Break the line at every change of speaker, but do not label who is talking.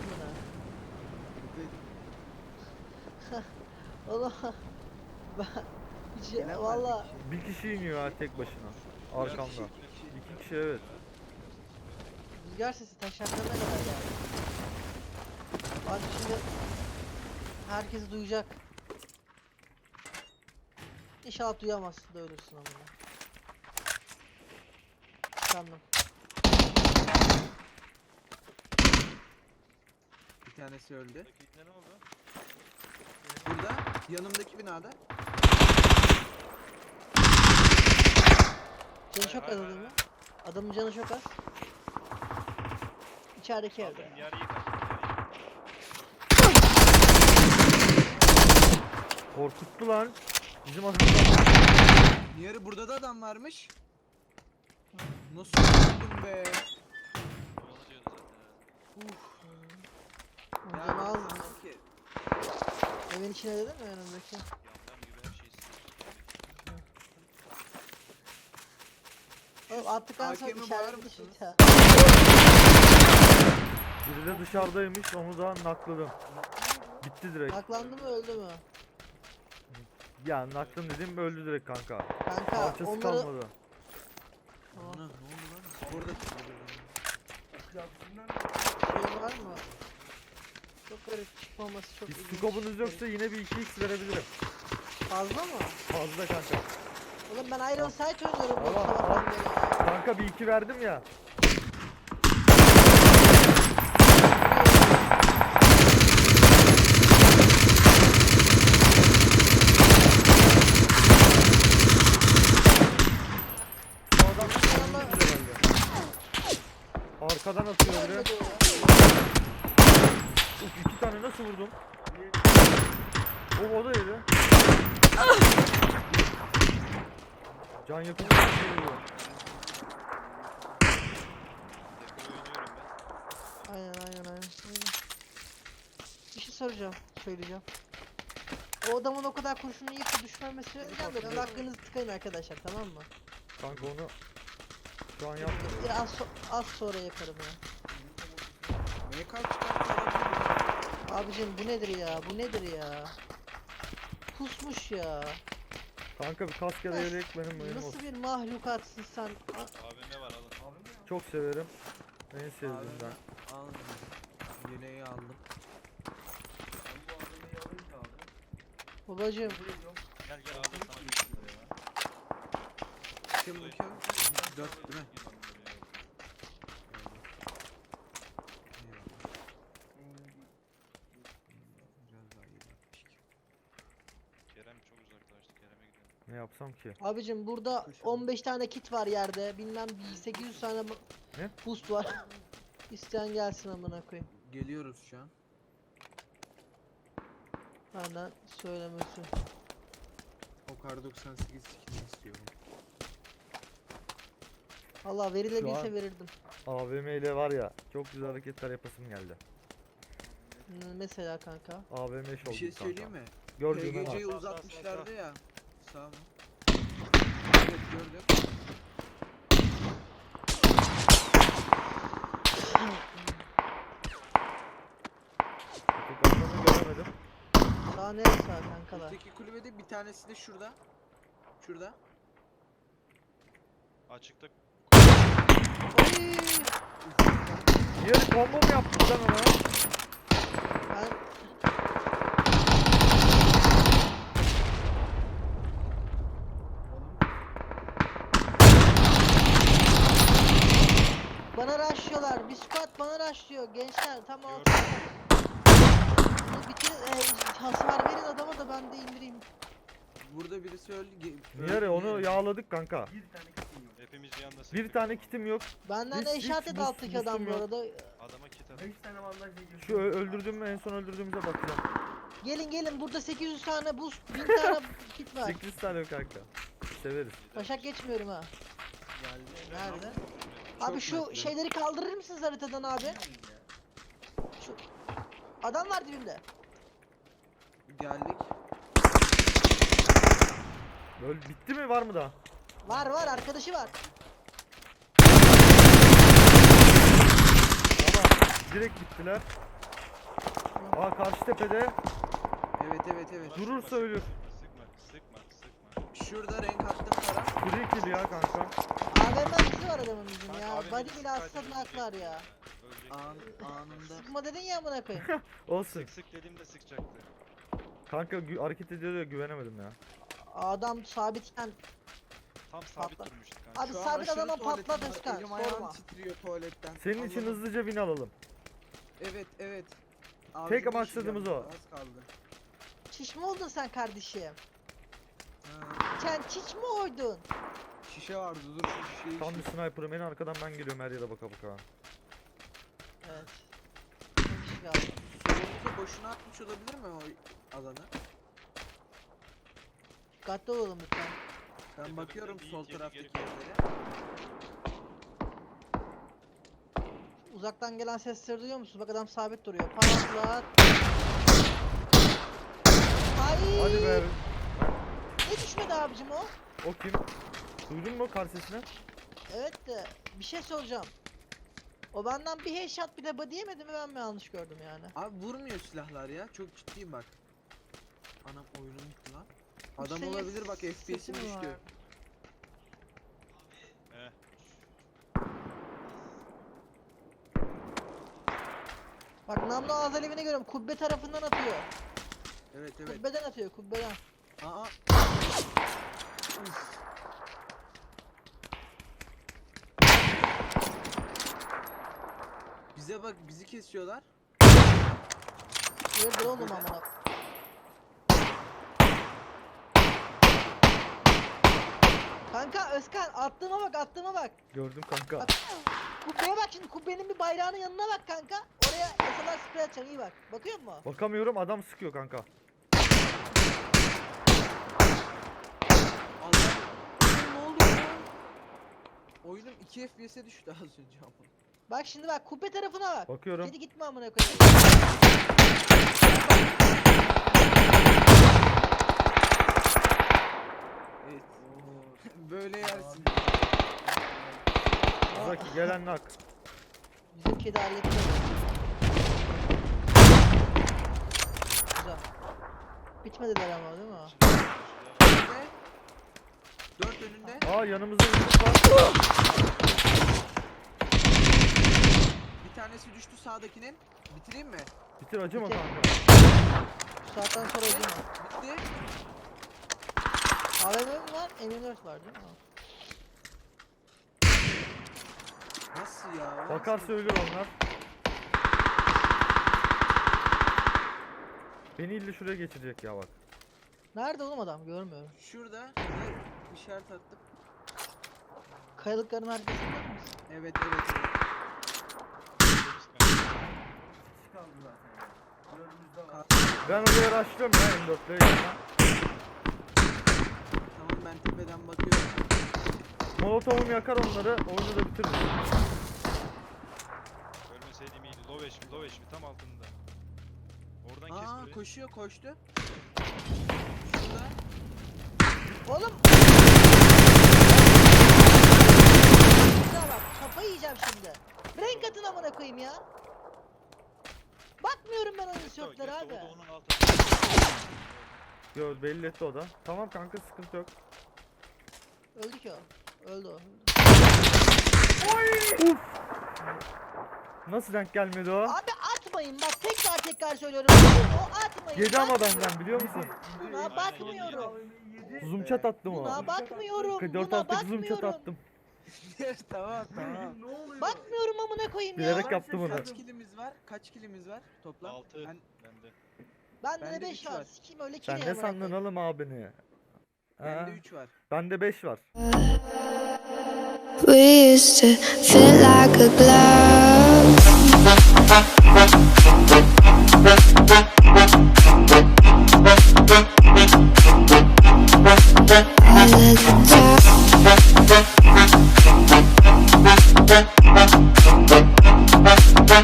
amına. Oğlum ben hiç
Gelen var
valla
bir kişi.
Bir kişi iniyor ha tek başına. Arkamda. İki kişi evet.
rüzgar sesi taşaklarına kadar geldi. Bak şimdi herkes duyacak. İnşallah duyamazsın da ölürsün amına. Sandım.
Bir tanesi öldü.
Dakikte ne oldu?
Burada yanımdaki binada.
Canı çok az adamın. Adamın canı çok az. İçerideki evde.
Aldım
ya.
yarıyı kaçtım.
Korkuttu lan. Bizim adamlar.
Yarı burada da adam varmış. Nasıl öldüm be?
Dolanıyordu zaten.
Onun
Ya
canı az mı?
sanki
Evin içine dedin mi önümdeki?
Yamyam gibi her şeyi sıkıştırdı.
Oğlum attıktan sonra
hakemi
içeride
bağır
bir şey
mısınız?
daha.
Biri de dışarıdaymış onu da nakladım. Bitti direkt.
Aklandı mı öldü mü?
Ya naklım dedim öldü direkt kanka.
Kanka
Parçası
onları...
kalmadı.
Tamam.
Ana ne oldu lan? Orada
Şey var mı? Çok garip çıkmaması çok
Hiç
ilginç.
scope'unuz yoksa yine bir 2x verebilirim.
Fazla mı?
Fazla kanka.
Oğlum ben Iron Sight oynuyorum bu
Tamam,
sabahtan beri ya.
Kanka bir 2 verdim ya. Bu adam
İnşallah-
herhalde. Arkadan atıyor biri.
Ölmedi o ya.
Uf 2 tane nasıl vurdum? O da yedi. Can yakın bir şey vuruyor.
Yakın oynuyorum ben.
Aynen. Bir şey soracağım, söyleyeceğim. O adamın o kadar kurşunu yiyip düşmemesi önemli. Biraz aklınızı tıkayın arkadaşlar, tamam mı?
Kanka onu şu an yapmadım.
Az sonra yaparım ya.
MK çıkarttı.
Abicim bu nedir ya? Bu nedir ya? Pusmuş ya.
Kanka bir kask ya da yelek benim benim
Nasıl
olsun.
bir mahlukatsın sen?
AVM var alın.
Çok severim. En sevdiğimden.
Al. Yeleği aldım.
Babacım
Gel gel abi sana bir şey ya.
Kim bu kim? 4 değil mi? Biraz daha iyi yapmış.
Kerem çok uzaklaştı. Kerem'e gidelim.
Ne yapsam ki?
abicim burada 15 tane kit var yerde. Bilmem 800 tane
Ne?
boost var. İsteyen gelsin amına koyayım.
Geliyoruz şu an.
Benden söylemesi.
O kar 98 skin istiyorum.
Allah
Şu
verilebilse
an-
verirdim.
AVM ile var ya çok güzel hareketler yapasım geldi.
Mesela kanka.
AVM şov
Bir şey
gibi kanka.
söyleyeyim mi?
Gördüğüme bak.
PGC'yi
Sağ, sağ,
uzatmışlardı
sağ.
ya. Sağ mı? Evet gördüm.
Çok adamı göremedim.
Sağ neresi sağ kankalar?
Öteki kulübede bir tanesi de şurada. Şurada.
Açıkta
Oy!
Diğer combo mu yaptın sen ona?
Ben bana rushlıyorlar. Bir squad bana rushlıyor. Gençler tamam.
Gördüm.
Bitir hasar verin adama da ben de indireyim.
Burada birisi öldü.
Diğer onu yağladık kanka.
hepimiz bir anda
Bir tane kitim yok.
Benden de
Hiç
eşat et
boost-
alttaki adam bu
boostum yok.
arada.
adama kit at.
Şu öldürdüğüm en son öldürdüğümüze bakacağım.
Gelin burada 800 tane boost 1000 tane kit var.
8 tane yok kanka. Severiz.
Başak geçmiyorum ha. Nerede?
Çok
Abi şu
netli.
şeyleri kaldırır mısınız haritadan abi? Şu adam var dibimde.
Geldik.
Böyle bitti mi var mı daha?
Var arkadaşı var.
Tamam. Direkt bittiler. Aa karşı tepede.
Evet evet evet.
Durursa ölür.
Sıkma.
Şurada renk attım sana.
Free kill ya kanka.
AVM'si var adamın bizim
Kanka,
ya.
AVM'si
Body bile atsa
kaydedilecek
naklar ya.
Ölecek.
Anında.
Sıkma dedin ya amına koyayım.
Olsun.
Sık dediğimde sıkacaktı.
Kanka hareket ediyor ya güvenemedim ya.
Adam sabitken
Tam sabit
Patla.
durmuştu kanka.
Abi
Şu an
sabit
aşırı
adama
tuvaletim
patlat
var,
Özkan.
Elim ayağım
Sorma.
titriyor tuvaletten.
Senin için
Allah'ım.
hızlıca win alalım.
Evet evet.
Tek
Ağzımı
maksadımız
şişeceğim,
o.
Az kaldı.
Çiş mi oldun sen kardeşim?
Ha,
Sen çiş mi oydun?
şişe vardı dur şu şişeyi.
Tam bir sniper'ım en arkadan ben geliyorum her yere baka baka.
Evet. Bir kişi kaldı.
Solumuza boşuna atmış olabilir mi o alanı?
Dikkatli olalım lütfen.
Ben
Tepeden
bakıyorum
bir
sol
yedi
taraftaki
geri
yerlere.
Uzaktan gelen sesleri duyuyor musun? Bak adam sabit duruyor. Patlat. Ay!
Hadi be.
Ne düşmedi abicim o?
O kim? Duydun mu kar sesini?
Evet de bir şey soracağım. O benden bir headshot bile body yemedi mi, ben mi yanlış gördüm yani?
Abi vurmuyor silahlar ya. Çok ciddiyim bak. Anam oyunum gitti lan.
Bu
Adam
senin
olabilir bak
sesi
FPS'im
mi var?
düştü.
Eh.
Bak namlu ağız alevine görüyorum. Kubbe tarafından atıyor.
Evet evet.
Kubbeden atıyor, kubbeden.
Aa. Uf. Bize bak bizi kesiyorlar.
Hayırdır oğlum amına. Kanka Özkan attığıma bak, attığıma bak.
Gördüm kanka.
Bak. Kubbeye bak şimdi, kubbenin bir bayrağının yanına bak kanka. Oraya SLR sprey atacağım, iyi bak. Bakıyor musun?
Bakamıyorum adam sıkıyor kanka.
Allah. Oğlum ne oluyor lan? Oyunum 2 FPS'e düştü az önce ama.
Bak şimdi bak, kubbe tarafına bak.
Bakıyorum.
Kedi gitme amına koyayım.
Evet. Böyle yersin.
Uzaki gelen nak.
Bizim kedi halletti. Güzel. Bitmediler ama değil mi?
Önünde. 4 önünde.
Aa yanımızda yumruk var.
Bir tanesi düştü sağdakinin. Bitireyim mi?
Bitir acıma
Bitir.
kanka.
Bu saatten sonra öldüm
Bitti.
AVM mi var? M24 var değil mi?
Nasıl ya?
Bakarsa ölür onlar. Beni illa şuraya geçirecek ya bak.
Nerede oğlum adam? Görmüyorum.
Şurada bir işaret attım.
Kayalıkların arkasında mısın?
Evet evet evet.
Ben oraya rushlıyorum ya M4'le yanına.
Tamam ben tepeden bakıyorum.
Molotovum yakar onları, oyunu da bitiririz.
Ölmeseydim iyiydi. Low HP tam altında. Oradan kes
Aa
burayı.
koşuyor koştu. Şurada.
Oğlum! Ya bak, kafayı yiyeceğim şimdi. Renk atın amına koyayım ya. Bakmıyorum ben oyun tişörtlere
Gesto,
abi.
o da onun altında.
Yo belli etti o da. Tamam kanka sıkıntı yok.
Öldü ki o. Öldü o.
Uf! Nasıl denk gelmedi o?
Abi atmayın bak, tekrar söylüyorum. O atmayın.
Yedi ama
bakmıyorum.
benden biliyor musun?
Buna bakmıyorum.
Zoom chat attım o.
Buna bakmıyorum.
4
Buna
attık zoom chat
bakmıyorum.
attım.
Tamam tamam.
Bakmıyorum amına koyayım ya.
Bilerek yaptım onu.
Kaç kilimiz var? Kaç kilimiz var toplam?
6
Ben
bende.
Bende
Bende
de
üç
5 var.
var.
Sikeyim öyle
Sen
kiri
ne sandın oğlum abini?
bende
Ha?
3 var.
Bende 5 var.
We used to fit like a glove.